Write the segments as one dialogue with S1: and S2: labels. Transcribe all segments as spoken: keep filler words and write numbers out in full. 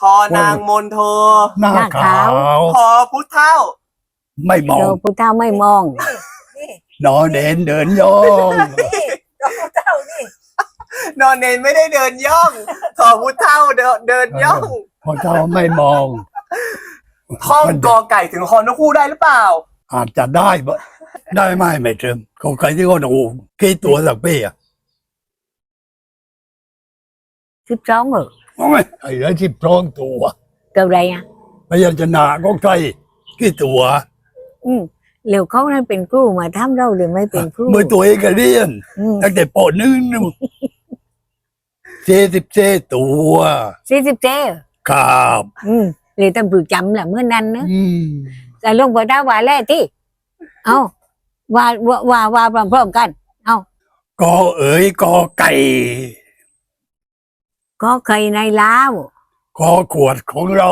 S1: อนางมนโท
S2: หน้าขาว
S1: พอพุทธเท่า
S2: ไม่มอ
S3: โด
S2: ง
S3: พุทธาไม่มอง
S2: นอนเด่นเดินย่อง
S4: เจ้านี่
S1: นอนเนนไม่ได้เดินย่องทอพุทธเท่าเดินเดินย่อง
S2: พอเจ้าไม่มอง
S1: ท่องกอไก่ถึงฮอนกคู่ได้หรือเปล่า
S2: อาจจะได้บ่ได้ไหมไม่ถึงเขาใครที่เขาดูกี่ตัวสักปีอ่ะ
S3: สิบสองเหรอ
S2: โอ้ยไอ้เรื่องที่พร้องตัว
S3: เกิดอะไรอ่ะ
S2: พยัญชนะก็ใครกี่ตัว
S3: อืมเร็วเขานั้นเป็นครูมาทำเราหรือไม่เป็นครู
S2: เมื่อตัวเองก็เรียน
S3: อืม
S2: ตั้งแต่ปหนึ่งนู่นเจ็ดสิบเจ็ดตัว
S3: สี่สิบเจ้
S2: ครับ
S3: อืมเลยตำรวจจำแหละเมื่อนั้นเนอะ
S2: อืม
S3: แต่ลงไปได้ว่าแรกที่เอาว่าว่าว่าว่าพร้อมๆกัน เอา
S2: กอเอ๋ยกอไก่
S3: ก็เคยในลาว
S2: กอขวดของเรา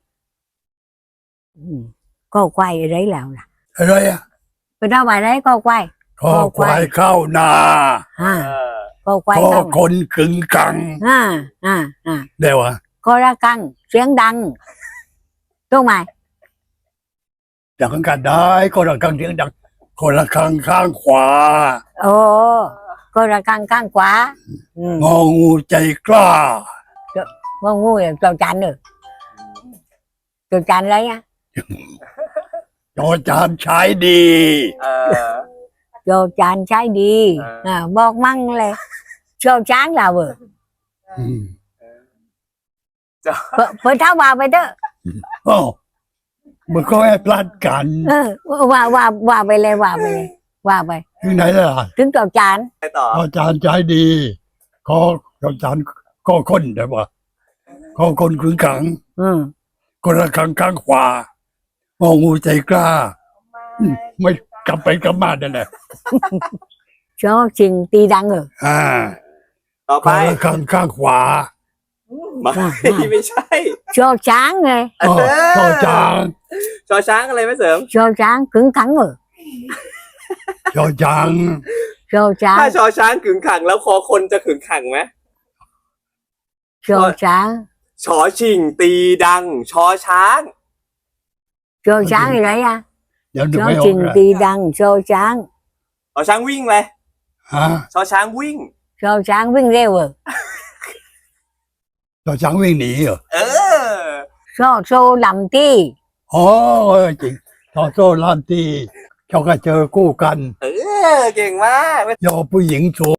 S3: อืมก็ควายอะไรแล้วล่ะ
S2: อะไรอ่ะ
S3: ไปได้ว่าอะไรก็ควาย
S2: คอควายเข้านา
S3: อ่า
S1: เออ
S3: ก็ควาย
S2: คอ
S3: เข้า
S2: คนขึงกัง
S3: อ่าอ่าอ่า
S2: เดี๋ยวอ่ะ
S3: ก็ระกังเสียงดังถูกไหม
S2: ดังกันได้ก็ระกังเสียงดังคนละข้างข้างขวา
S3: โอ้ก็ระกังข้างขวาอืม
S2: งองูใจกล้า
S3: ว่างูเนี่ยเจ้าจันเนอะเจ้าจันอะไรอ่ะ
S2: จอจานใช้ดี
S1: เออ
S3: เจ้าจันใช้ดี
S1: เอออ่
S3: อ่าบอกมั่งเลยเจ้าช้างเราเออ
S2: อืม
S1: จะ
S3: เปิดเปิดเท้าว่าไปเถอะ
S2: อ้าวมันก็ให้พลาดกัน
S3: เออว่าว่าว่าไปเลยว่าไปเลยว่าไป
S2: ที่ไหนล่ะ
S3: ถึงเจ้าจาน
S1: ไปต่อ
S2: จอจานใช้ดีขอจอจานก็คนได้ปะขอคนขึงขัง
S3: อืม
S2: คนละข้างข้างขวางองูใจกล้าอืมไม่กลับไปกลับมาได้แหละ
S3: ชอชิงตีดังเออ
S2: อ่า
S1: ต่อ
S2: ค
S1: ไป
S2: นละข้างข้างขวา
S1: ไม่ไม่ใช่
S3: ชอช้างไง
S2: อ๋อจอจาน
S1: ชอช้างอะไรไม่เสริม
S3: ชอช้างขึงขังเออ
S2: จอจาน
S3: ชอช้าง
S1: ถ้าชอช้างขึงขังแล้วคอคนจะขึงขังไหม
S3: ชอช้าง
S1: ชอชิงตีดัง ชอช้าง
S3: ชอช้างอะไรอ่ะ
S2: เดี๋ยวนึ
S3: ช
S2: ก
S3: อ
S2: ไม่ออ
S3: ชิ
S2: ก
S3: ง
S2: นะ
S3: ตีดังชอช้าง
S1: ชอช้างวิ่งเลย
S2: ฮะ
S1: ชอช้างวิ่ง
S3: ชอช้างวิ่งเร็วเออ
S2: จอช้างวิ่งหนีเหรอ
S1: เออ
S3: ชอโซลำตี้
S2: อ๋อเออจริงจอโซ่ลานตีเขาก็เจอคู่กัน
S1: เออ เก่งมาก
S2: ยอผู้หญิงโช